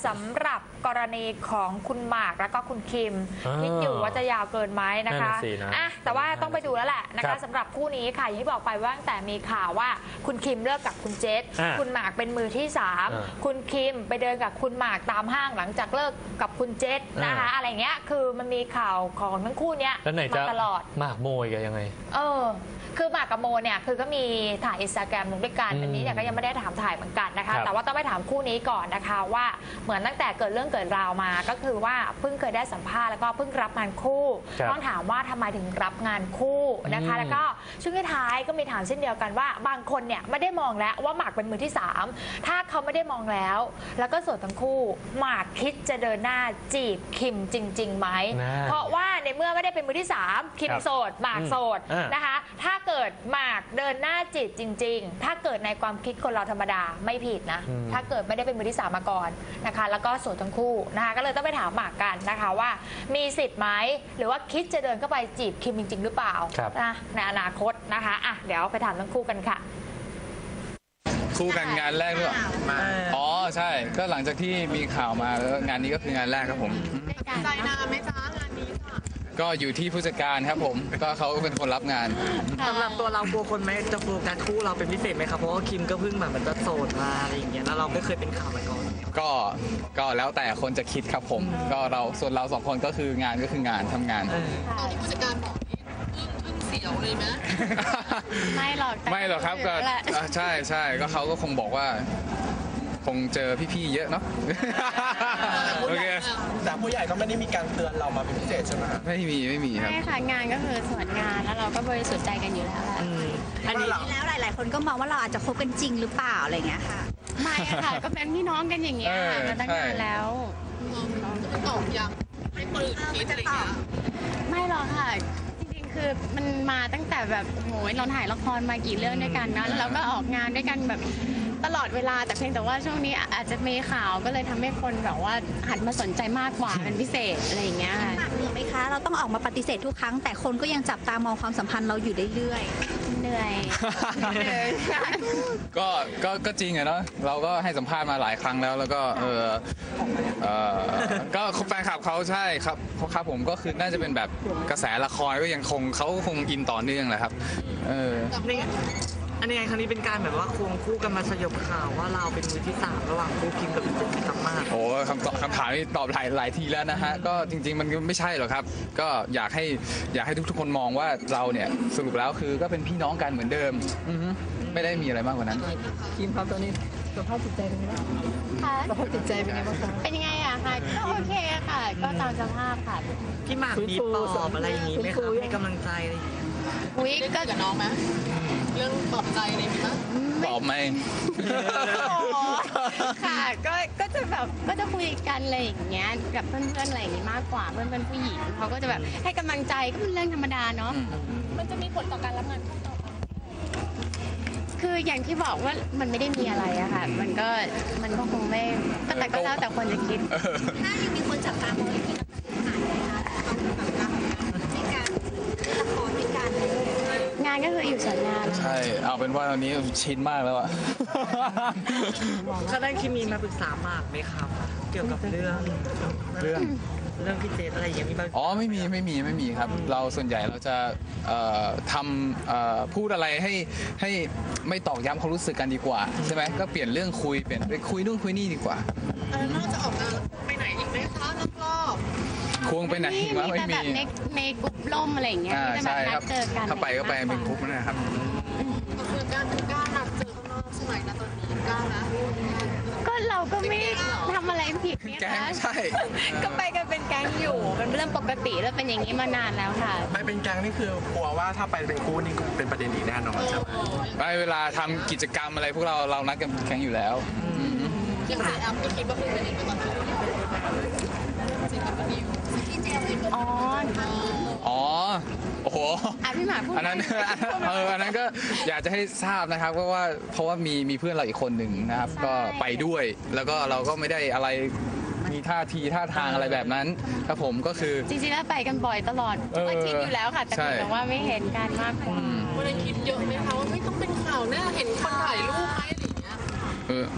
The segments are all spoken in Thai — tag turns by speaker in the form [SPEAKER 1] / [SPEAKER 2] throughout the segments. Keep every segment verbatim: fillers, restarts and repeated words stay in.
[SPEAKER 1] ำหรับกรณีของคุณหมากแล้วก็คุณคิมคิดอยู่ว่าจะยาวเกินไหมนะคะอ่ะแต่ว่าต้องไปดูแล้วแหละนะคะสำหรับคู่นี้ค่ะอย่างที่บอกไปว่าตั้งแต่มีข่าวว่าคุณคิมเลิกกับคุณเจษคุณหมากเป็นมือที่สามคุณคิมไปเดินกับคุณหมากตามห้างหลังจากเลิกกับคุณเจษนะคะอะไรเงี้ยคือมันมีข่าวของทั้งคู่เนี้ยมาตลอด
[SPEAKER 2] หมากโมยกันยังไง
[SPEAKER 1] เออคือหมากกับโมเนี่ยคือก็มีถ่ายอินสตาแกรมลงด้วยกันอันนี้เนี่ยก็ยังไม่ได้ถามถ่ายเหมือนกันนะคะแต่ว่าต้องไปถามคู่นี้ก่อนนะคะว่าเหมือนตั้งแต่เกิดเรื่องเกิดราวมาก็คือว่าเพิ่งเคยได้สัมภาษณ์แล้วก็เพิ่งรับงานคู่ต้องถามว่าทำไมถึงรับงานคู่นะคะแล้วก็ช่วงท้ายก็มีถามเช่นเดียวกันว่าบางคนเนี่ยไม่ได้มองแล้วว่าหมากเป็นมือที่สามถ้าเขาไม่ได้มองแล้วแล้วก็โสดทั้งคู่หมากคิดจะเดินหน้าจีบคิมจริงๆไหมเพราะว่าในเมื่อไม่ได้เป็นมือที่สามคิมโสดหมากโสดนะคะถ้าเกิดหมากเดินหน้าจีบจริงๆถ้าเกิดในความคิดคนเราธรรมดาไม่ผิดนะถ้าเกิดไม่ได้เป็นมือที่สามมาก่อนนะคะแล้วก็โสดทั้งคู่นะคะก็เลยต้องไปถามหมากกันนะคะว่ามีสิทธิ์ไหมหรือว่าคิดจะเดินเข้าไปจีบคิมจริงๆหรือเปล่านะในอนาคตนะคะอ่ะเดี๋ยวไปถามทั้งคู่กันค่ะ
[SPEAKER 3] คู่กันงานแรกด้วยอ๋อใช่ก็หลังจากที่มีข่าวมาแล้วงานนี้ก็คืองานแรกครับผม
[SPEAKER 4] ใจนานไหมจ๊ะงานนี้
[SPEAKER 3] ก็อยู่ที่ผู้จัดการครับผมก็เขาเป็นคนรับงาน
[SPEAKER 5] สำหรับตัวเรากลัวคนไหมจะโฟกัสคู่เราเป็นพิเศษไหมครับเพราะว่าคิมก็เพิ่งแบบมันจะโสดมาอะไรอย่างเงี้ยแล้วเราไม่เคยเป็นข่าวมาก่อน
[SPEAKER 3] ก็ก็แล้วแต่คนจะคิดครับผมก็เราส่วนเราสองคนก็คืองานก็คืองานทำงาน
[SPEAKER 4] ตอนที่ผู้จัดการบอกนี่อึ้งเสียวเลยไหม
[SPEAKER 1] ไม่หรอก
[SPEAKER 3] ไม่หรอกครับก็ใช่ใช่ก็เขาก็คงบอกว่าคงเจอพี่ๆเยอะเนาะโอเค
[SPEAKER 6] แต่ผู้ใหญ่ก็ไม่ได้มีการเตือนเรามาเป็นพิเศษใช่ไหม
[SPEAKER 3] ไม่มีไม่มีครับ
[SPEAKER 1] ไม่ค่ะงานก็คือส่วนงานแล้วเราก็บริสุทธิ์ใจกันอยู่แล้วแหละ
[SPEAKER 7] อันนี้แล้วหลายๆคนก็มองว่าเราอาจจะคบกันจริงหรือเปล่าอะไรเงี้ยค่ะ
[SPEAKER 1] ไม่ค่ะก็เป็นพี่น้องกันอย่างเงี้ยมาตั้งนานแล้ว
[SPEAKER 4] ตอบยังไม่เปิดคิดอะไรเงี้ย
[SPEAKER 1] ไม่หรอกค่ะจริงๆคือมันมาตั้งแต่แบบโหยเราถ่ายละครมากี่เรื่องด้วยกันนะแล้วเราก็ออกงานด้วยกันแบบตลอดเวลาแต่เพียงแต่ว่าช่วงนี้อาจจะมีข่าวก็เลยทำให้คนแบบว่าหันมาสนใจมากกว่าเป็นพิเศษอะไรอย่างเงี้ย
[SPEAKER 7] หนักเหนื่อยไหมคะเราต้องออกมาปฏิเสธทุกครั้งแต่คนก็ยังจับตามองความสัมพันธ์เราอยู่เรื่อย
[SPEAKER 1] ๆเหนื่อย
[SPEAKER 3] ก็ก็ก็จริงอะเนาะเราก็ให้สัมภาษณ์มาหลายครั้งแล้วแล้วก็เออเออก็แฟนคลับเขาใช่ครับครับผมก็คือน่าจะเป็นแบบกระแสละครก็ยังคงเขาคงอินต่อเนื่องแหละครับเออ
[SPEAKER 5] อันนี้ไงครั้งนี้เป็นการแบบว่าควงคู่กันมาสยบข่าวว่าเราเป็นมือที่สามระหว่างคู่คิมกับพี่เจษครับมาก
[SPEAKER 3] โอ้คำตอบคำถามนี้ตอบหลายหลายทีแล้วนะฮะก็จริงๆมันไม่ใช่หรอกครับก็อยากให้อยากให้ทุกๆคนมองว่าเราเนี่ยสรุปแล้วคือก็เป็นพี่น้องกันเหมือนเดิมไม่ได้มีอะไรมากกว่านั้น
[SPEAKER 5] คิมครับตอนนี้สภาพจิตใจเป็นยังไงค่ะสภาพจิตใจเป็นยังไงบ้างคะ
[SPEAKER 1] เป็นยังไงอะคะก็โอเคค่ะก็ตามสภาพค่ะ
[SPEAKER 5] พี่หมากมีปลอบอะไรอย่างนี้ไหมครับให้กำลังใจอะไรอย่างนี้
[SPEAKER 1] อุ้ยก็
[SPEAKER 4] กับน้องไหมเรื่องปลอบใจอะไรมั้ย
[SPEAKER 3] ปลอบไหม
[SPEAKER 1] ค่ะก็ก็จะแบบก็จะคุยกันอะไรอย่างเงี้ยกับเพื่อนๆอะไรอย่างงี้มากกว่าเพื่อนๆผู้หญิงเขาก็จะแบบให้กำลังใจก็เป็นเรื่องธรรมดาเนาะ
[SPEAKER 4] มันจะมีผลต่อการรับงานคู่ต่อไป
[SPEAKER 1] คืออย่างที่บอกว่ามันไม่ได้มีอะไรอะค่ะมันก็มันก็คงไม่ก็แต่ก็แล้วแต่คนจะคิด
[SPEAKER 7] ถ้ายังมีคนจับตามองที่นักถ่ายนะคะในการละครด้วยกัน
[SPEAKER 1] งานก็คืออยู่ส่วนงาน
[SPEAKER 3] ใช่เอาเป็นว่าตอนนี้ชินมากแล้วอะ
[SPEAKER 5] ถ้าได้คิมมีมาปรึกษาหมากไหมครับเกี่ยวกับเรื่อง
[SPEAKER 3] เรื่อง
[SPEAKER 5] เรื่องพี่เจษอะไรอย่างนี้
[SPEAKER 3] อ๋อไม่มีไม่มีไม่มีครับเราส่วนใหญ่เราจะทำพูดอะไรให้ให้ไม่ตอกย้ำความรู้สึกกันดีกว่าใช่ไหมก็เปลี่ยนเรื่องคุยเปลี่ยนไปคุยนู่นคุยนี่ดีกว่า
[SPEAKER 4] เออนอกจากออกงานไปไหนอีกไหมคะนอกรอบ
[SPEAKER 3] ควงไปไหนมาไม่มี
[SPEAKER 1] ในในกลุ่มล่มอะไรอย่างเงี้ย
[SPEAKER 3] ใช่ครับถ้าไปก็ไปเป็นกลุ่มนะครับ
[SPEAKER 4] ก็คือการกล้านัดเจอข้างนอกใช่ไหมนะตอนนี้กล้านะ
[SPEAKER 1] ก็เราก็ไม่ทำอะไรผิดเนี่ย
[SPEAKER 3] นะใช่
[SPEAKER 1] ก็ไปกันเป็นแก๊งอยู่เป็นเรื่องปกติแล้วเป็นอย่างนี้มานานแล้วค่ะ
[SPEAKER 6] ไปเป็นแก๊งนี่คือกลัวว่าถ้าไปเป็นคู่นี่เป็นประเด็นอีกแน่นอนใช่ไหม
[SPEAKER 3] ไปเวลาทำกิจกรรมอะไรพวกเราเรานัดกันแก๊งอยู่แล้ว
[SPEAKER 4] คิดว่าแอปก็คิดว่าเป็นประเด็นตอนนี้
[SPEAKER 1] อ๋อ
[SPEAKER 3] อ๋อโอ้โห
[SPEAKER 1] พี่หมากพูด
[SPEAKER 3] อันนั้นเอออันนั้นก็อยากจะให้ทราบนะครับเพราะว่าเพราะว่ามีมีเพื่อนเราอีกคนหนึ่งนะครับก็ไปด้วยแล้วก็เราก็ไม่ได้อะไรมีท่าทีท่าทางอะไรแบบนั้นครับผมก็คือ
[SPEAKER 1] จริงๆแล้วไปกันบ่อยตลอดก็คิดอยู่แล้วค่ะแต่แต่ว่าไม่เห็นกันมากกว่า
[SPEAKER 4] ไม่ได้คิดเยอะไหมคะว่าไม่ต้องเป็นข่าวแน่เห็นคนถ่ายรูปไหมอะไรอย่างเงี้ย
[SPEAKER 3] เออ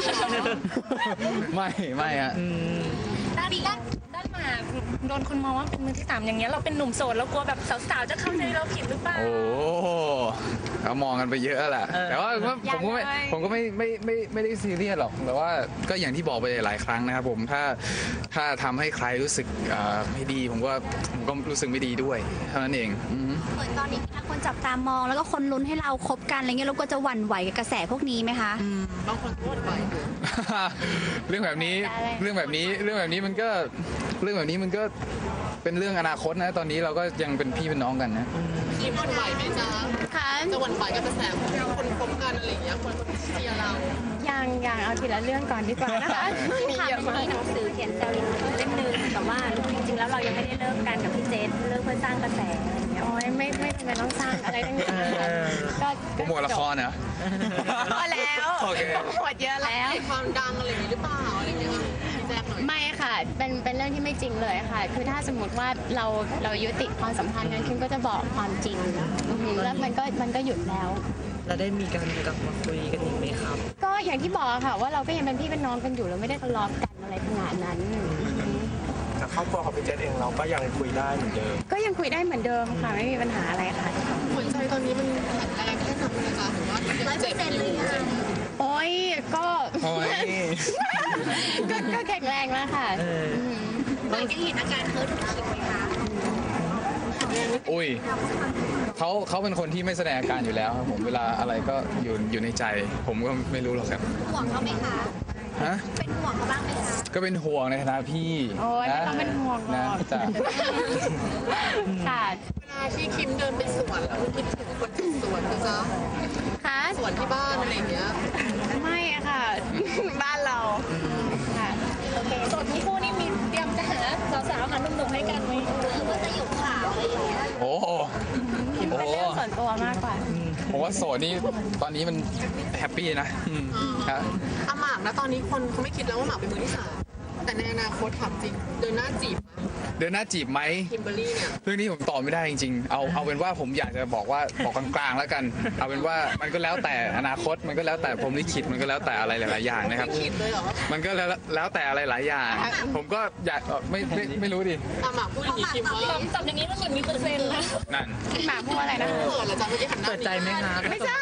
[SPEAKER 3] ไม่ไม่ฮะ
[SPEAKER 7] ด้านด้านด้านหมากโดนคนมองว่าเป็นมือที่สามอย่างเงี้ยเราเป็นหนุ่มโสดแล้วกลัวแบบสาวๆจะเข้าใจเราผิดหรือเปล่า
[SPEAKER 3] โอ้เขามองกันไปเยอะแหละ
[SPEAKER 5] เออ
[SPEAKER 3] แต่ว่าผมก็ไม่
[SPEAKER 1] ยังไง
[SPEAKER 3] ผมก็ไม่ไม่ไม่ไม่ได้ซีเรียสหรอกแต่ว่าก็อย่างที่บอกไปหลายครั้งนะครับผมถ้าถ้าทำให้ใครรู้สึกอ่าไม่ดีผมก็ผมก็รู้สึกไม่ดีด้วยเท่านั้นเองอืม
[SPEAKER 2] เหมือนตอนนี้มีทั้งคนจับตามองแล้วก็คนลุ้นให้เราคบกันอะไรเงี้ยเราก็จะหวั่นไหวกับกระแสพวกนี้ไหมคะ
[SPEAKER 4] บางคนพูดไป
[SPEAKER 3] เรื่องแบบนี้เรื่องแบบนี้เรื่องแบบนี้มันก็เรื่องแบบนี้มันก็เป็นเรื่องอนาคตนะตอนนี้เราก็ยังเป็นพี่เป็นน้องกันนะ
[SPEAKER 4] คิมหวั่นไหวไหมจ๊ะ
[SPEAKER 2] ค่ะ
[SPEAKER 4] จะหวั่นไหวกับกระแสของคนคบกันอะไรอย่างเงี้ยคนเชียร์เรา
[SPEAKER 8] ยังยังเอาทีละเรื่องก่อนดีกว่านะคะ มี
[SPEAKER 2] ค่ะ
[SPEAKER 8] เยอะ
[SPEAKER 2] มัน
[SPEAKER 8] มา
[SPEAKER 2] มี
[SPEAKER 8] ก
[SPEAKER 2] หนังสือเขียนแซวลินเล่มหนึงแต่ว่าจริงๆแล้วเรายังไม่ได้เลิกกันกับพี่เจษเลิกเพื่อสร้างกระแสอะไรเงี้ย
[SPEAKER 8] โอ้ยไม่ไม่จำเป็นต้องสร้างอะไรทั้งนั้นก็
[SPEAKER 3] โปรโมทละครเหรอ
[SPEAKER 8] พอแล้ว
[SPEAKER 3] โอเค
[SPEAKER 8] หมดเยอะแล้ว
[SPEAKER 4] ให้ความดังอะไรอย่างงี้หรือเปล่าอะไรอย่างเงี้ยค่ะพี่แจ๊คหน่อย
[SPEAKER 8] ไม่ค่ะ เป็นเป็นเรื่องที่ไม่จริงเลยค่ะ คือถ้าสมมติว่าเราเรายุติความสัมพันธ์กันคิมก็จะบอกความจริงอือหือแล้วมันก็มันก็หยุดแล้ว
[SPEAKER 5] เราได้มีการกลับมาคุยกันอีกไหมครับ
[SPEAKER 8] ก็อย่างที่บอกค่ะว่าเราก็ยังเป็นพี่เป็นน้องกันอยู่เราไม่ได้ทะเลาะกันอะไรขนาดนั้นอือหือ
[SPEAKER 6] แต่ครอบครัวของพี่เจษเองเราก็ยังคุยได้เหมือนเดิม
[SPEAKER 8] ก็ยังคุยได้เหมือนเดิมค่ะไม่มีปัญหาอะไรค่ะ
[SPEAKER 4] หัวใจตอนนี้มันแข็งแรงแค่ไหนนะคะหรือว่ายังเจ็บอยู่
[SPEAKER 8] โอ้ยก็
[SPEAKER 3] โอ้ย
[SPEAKER 8] ก็ก็แข็งแรงแล้วค่ะ
[SPEAKER 5] เออ
[SPEAKER 2] หลังจากเห็นอาการเฮิร์ตของคิมไหมคะ
[SPEAKER 3] อุ้ยเขาเขาเป็นคนที่ไม่แสดงอาการอยู่แล้วครับผมเวลาอะไรก็อยู่อยู่ในใจ ผมก็ไม่รู้หรอกครับ
[SPEAKER 2] ห่วงเขาไหมคะ
[SPEAKER 3] ฮะ
[SPEAKER 2] เป็นห่วงเขาบ้างไหมคะ
[SPEAKER 3] ก็เป็นห่วงในฐานะพี่
[SPEAKER 8] โอ้ยไม่
[SPEAKER 3] นะ
[SPEAKER 8] ต้องเป็นห่วงหร
[SPEAKER 3] นะ
[SPEAKER 8] อก
[SPEAKER 3] จ้ะ
[SPEAKER 8] ค่ะ
[SPEAKER 4] เวลาที่คิมเดินไปสวนแล้วคิดถึงคนที่สวนนะจ๊ะ
[SPEAKER 8] ค่ะ
[SPEAKER 4] สวนที่บ้านอะไรอย่างเงี้ย
[SPEAKER 8] ไม่อะค่ะ บ้านเราค่ะโอเค
[SPEAKER 7] โสดทั้งคู่นี่มีเตรียมจะหาสาวๆหาหนุ่มๆให้กันไหม
[SPEAKER 2] หรือว่าจะอยู่ข่าวอะไรอย่างเงี้ย
[SPEAKER 3] โอ้โหโอ้
[SPEAKER 8] เป็น
[SPEAKER 3] โห
[SPEAKER 8] เรื่องส่วนตัวมากกว่า
[SPEAKER 3] ผมว่าโสดนี่ตอนนี้มันแฮปปี้นะอืมครับ
[SPEAKER 4] อาหมากนะตอนนี้คนเขาไม่คิดแล้วว่าหมากเป็นมือที่สามแต่ในอนาคตถามจริง เดินหน้าจีบ
[SPEAKER 3] เดินหน้าจีบไหม
[SPEAKER 4] คิมเบอรรี่เนี่ย
[SPEAKER 3] เรื่องนี้ผมตอบไม่ได้จริงๆ เอาเอาเป็นว่าผมอยากจะบอกว่าบอกกลางๆแล้วกัน เอาเป็นว่ามันก็แล้วแต่อนาคตมันก็แล้วแต่ผมลิขิตมันก็แล้วแต่อะไรหลายๆอย่างนะครับ
[SPEAKER 4] ไม่คิดเลยเหรอว่า
[SPEAKER 3] มันก็แล้วแล้วแต่อะไรหลายอย่าง ผมก็อยากเอ่อไม่ไม่ไม่รู้ดิ
[SPEAKER 4] อาหมากพูดอย่างนี้คิมว่า
[SPEAKER 7] ตอบอย่างนี้มันเหมือนมีเปอร์เซ็นต์นะ
[SPEAKER 3] นั่น
[SPEAKER 8] หมาพูดอะไรนะ
[SPEAKER 4] เปิดเหรอจ๊ะเมื่อกี้หันหน้า
[SPEAKER 5] เปิดใจไหมครับ
[SPEAKER 8] ไม่ใช่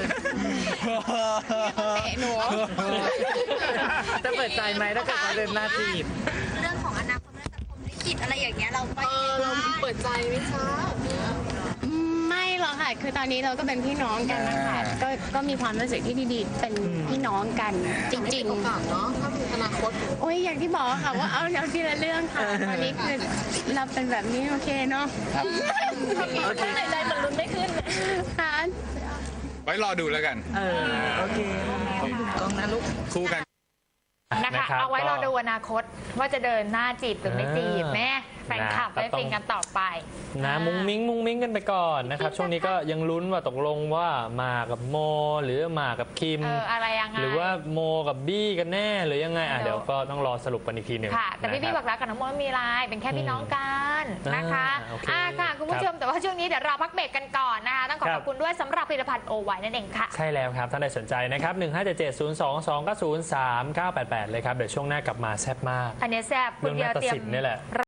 [SPEAKER 8] เตะหนู
[SPEAKER 5] จะเปิดใจไหมถ้าเกิดเขาเดินหน้าจีบ
[SPEAKER 2] เรื่องของอนาคตเรื่องสังคมลิขิตอะไรอย่างเงี้ยเราไป
[SPEAKER 4] เออเราเปิดใจไหมจ๊ะเนี่ย
[SPEAKER 8] ไม่หรอกค่ะ คือตอนนี้เราก็เป็นพี่น้องกันนะคะ ก็ก็มีความรู้สึกที่ดีๆ เป็นพี่น้องกันจริง
[SPEAKER 4] โอกาสเนาะถ้ามีอนาคต
[SPEAKER 8] ๆ โอ้ยอย่างที่บอกค่ะว่าเอาเอาทีละเรื่องค่ะ ตอนนี้คือเราเป็นแบบนี้โอเคเนาะ
[SPEAKER 5] โอเค
[SPEAKER 7] หายใจเหมือนลุ้นไม่ขึ้น
[SPEAKER 8] ค่ะ
[SPEAKER 3] ไว้รอดูแล้วกัน
[SPEAKER 5] เออ โอเคกล้องนะลูก
[SPEAKER 3] คู่กัน
[SPEAKER 1] นะคะ
[SPEAKER 9] นะครับ
[SPEAKER 1] เอาไว้
[SPEAKER 9] ก็
[SPEAKER 1] เราดูอนาคตว่าจะเดินหน้าจีบหรือไม่จีบ
[SPEAKER 9] เออ
[SPEAKER 1] แม่แฟนคลับ
[SPEAKER 9] นะ
[SPEAKER 1] ได้
[SPEAKER 9] ก็ต้อง
[SPEAKER 1] ฟินกันต่อไป
[SPEAKER 9] นะมุ้งมิ้งมุ้งมิ้งกันไปก่อนนะครับ ช่วงนี้ก็ยังลุ้นว่าตกลงว่ามากับโม หรือมากับคิม
[SPEAKER 1] เอออะไรยังไง
[SPEAKER 9] หรือว่าโมกับบี้กันแน่หรือยังไงอ่ะ
[SPEAKER 1] เดี๋
[SPEAKER 9] เดี๋
[SPEAKER 1] ย
[SPEAKER 9] ยว วก็ต้องรอสรุปกันอีกทีหนึ่ง
[SPEAKER 1] ค่ะ แต่พี่
[SPEAKER 9] นะ
[SPEAKER 1] พี่
[SPEAKER 9] ค
[SPEAKER 1] บ
[SPEAKER 9] รั
[SPEAKER 1] อกรักกับน้องโมไม่มีไลน์เป็นแค่พี่น้องกันนะคะ
[SPEAKER 9] อ่าโอเค
[SPEAKER 1] อ่าค่ะ คุณผู้ชมแต่ว่าช่วงนี้เดี๋ยวเราพักเบรกกันก่อนนะคะต้องขอ
[SPEAKER 9] ค
[SPEAKER 1] ข
[SPEAKER 9] รั
[SPEAKER 1] อบบ คุณด้วยสำหรับผลิตภัณฑ์โอไวนั่นเองค่ะ
[SPEAKER 9] ใช่แล้วครับท่านใดสนใจนะครับหนึ่งห้าเจ็ดเจ็ดศูนย์สองสองเก้าศูนย์สามเก้าแปดแปดเลยครับเดี๋ยวช่วงหน้ากลับมาแซ่บมาก
[SPEAKER 1] อันนี้แซ่บคุ
[SPEAKER 9] เรื่
[SPEAKER 1] ณ
[SPEAKER 9] อง
[SPEAKER 1] เดียว
[SPEAKER 9] นาฏ
[SPEAKER 1] เตรีย
[SPEAKER 9] ศิ
[SPEAKER 1] ม
[SPEAKER 9] ลป์นี่แหละ